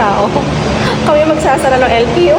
tao. Kami magsasara ng LTO.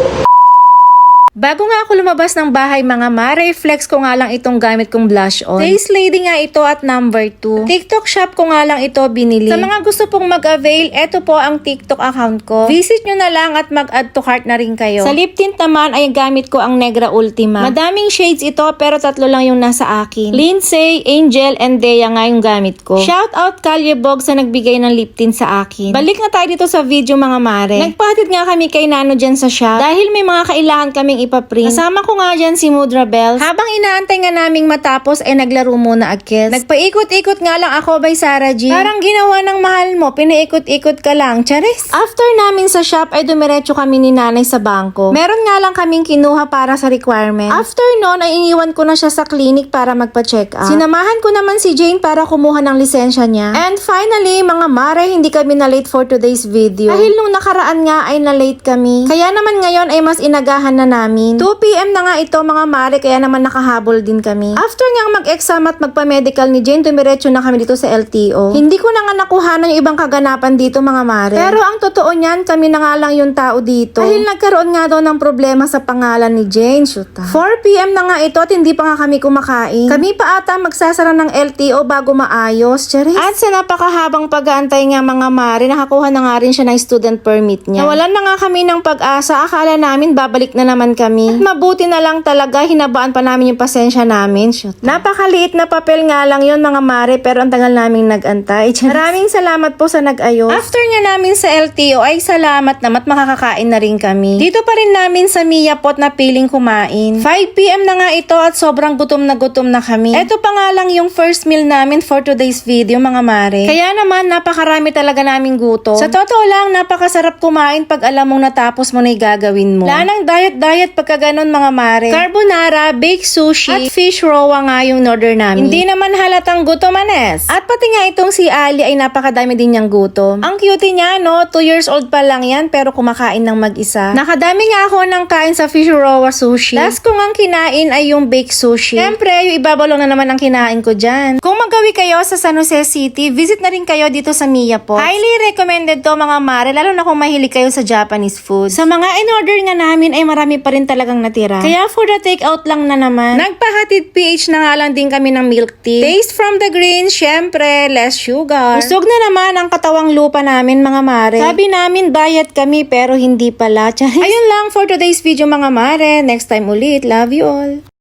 Bago nga ako lumabas ng bahay mga mare, flex ko nga lang itong gamit kong blush on. Face Lady nga ito at number 2. TikTok shop ko nga lang ito binili. Sa mga gusto pong mag-avail, eto po ang TikTok account ko. Visit nyo na lang at mag-add to cart na rin kayo. Sa lip tint naman ay gamit ko ang Negra Ultima. Madaming shades ito pero 3 lang yung nasa akin. Lindsay, Angel, and Dea nga yung gamit ko. Shout out Kalyebog sa nagbigay ng lip tint sa akin. Balik na tayo dito sa video mga mare. Nagpahatid nga kami kay Nano dyan sa shop dahil may mga kailangan kaming ipaprint. Kasama ko nga dyan si Mudra Bells. Habang inaantay nga naming matapos ay naglaro muna agkes. Nagpaikot-ikot nga lang ako by Sarah G. Parang ginawa ng mahal mo, pinaikot-ikot ka lang, charis. After namin sa shop ay dumiretso kami ni nanay sa bangko. Meron nga lang kaming kinuha para sa requirement. After nun ay iniwan ko na siya sa clinic para magpa-check up. Sinamahan ko naman si Jane para kumuha ng lisensya niya. And finally, mga mare, hindi kami na late for today's video. Dahil nung nakaraan nga ay na late kami. Kaya naman ngayon ay mas inagahan na namin. 2 PM na nga ito mga mare, kaya naman nakahabol din kami. After nga mag-exam at magpa-medical ni Jane, dumiretso na kami dito sa LTO. Hindi ko na nga nakuhanan yung ibang kaganapan dito mga mare. Pero ang totoo niyan, kami na nga lang yung tao dito. Dahil nagkaroon nga daw ng problema sa pangalan ni Jane. Shoot 4 PM na nga ito at hindi pa nga kami kumakain. Kami pa ata magsasara ng LTO bago maayos. Charis. At sa napakahabang pag-aantay nga mga mare, nakakuha na nga rin siya ng student permit niya. Nawalan na nga kami ng pag-asa. Akala namin babalik na naman kami. At mabuti na lang talaga, hinabaan pa namin yung pasensya namin. Shoot. Napakaliit na papel nga lang yun mga mare, pero ang tagal naming nag-antay. Maraming salamat po sa nag-ayos. After nga namin sa LTO ay salamat naman at makakakain na rin kami. Dito pa rin namin sa Mia Pot na piling kumain. 5 PM na nga ito at sobrang gutom na kami. Ito pa nga lang yung first meal namin for today's video mga mare. Kaya naman napakarami talaga naming gutom. Sa totoo lang, napakasarap kumain pag alam mong natapos mo na yung gagawin mo. Wala nang diet pagka ganun mga mare. Carbonara, baked sushi, at fish roa nga yung order namin. Hindi naman halatang gutomanes. At pati nga itong si Ali ay napakadami din niyang gutom. Ang cute niya no, 2 years old pa lang yan pero kumakain ng mag-isa. Nakadami nga ako ng kain sa fish roa sushi. Last ko ngang kinain ay yung baked sushi. Siyempre, yung ibabalong na naman ang kinain ko dyan. Kung magawi kayo sa San Jose City, visit na rin kayo dito sa Mia Pot. Highly recommended to mga mare, lalo na kung mahilig kayo sa Japanese food. Sa mga in-order nga namin ay marami pa rin talagang natira. Kaya for the take-out lang na naman. Nagpahatid PH na nga lang din kami ng milk tea. Taste from the green, syempre, less sugar. Busog na naman ang katawang lupa namin mga mare. Sabi namin diet kami pero hindi pala. Ayun lang for today's video mga mare. Next time ulit. Love you all.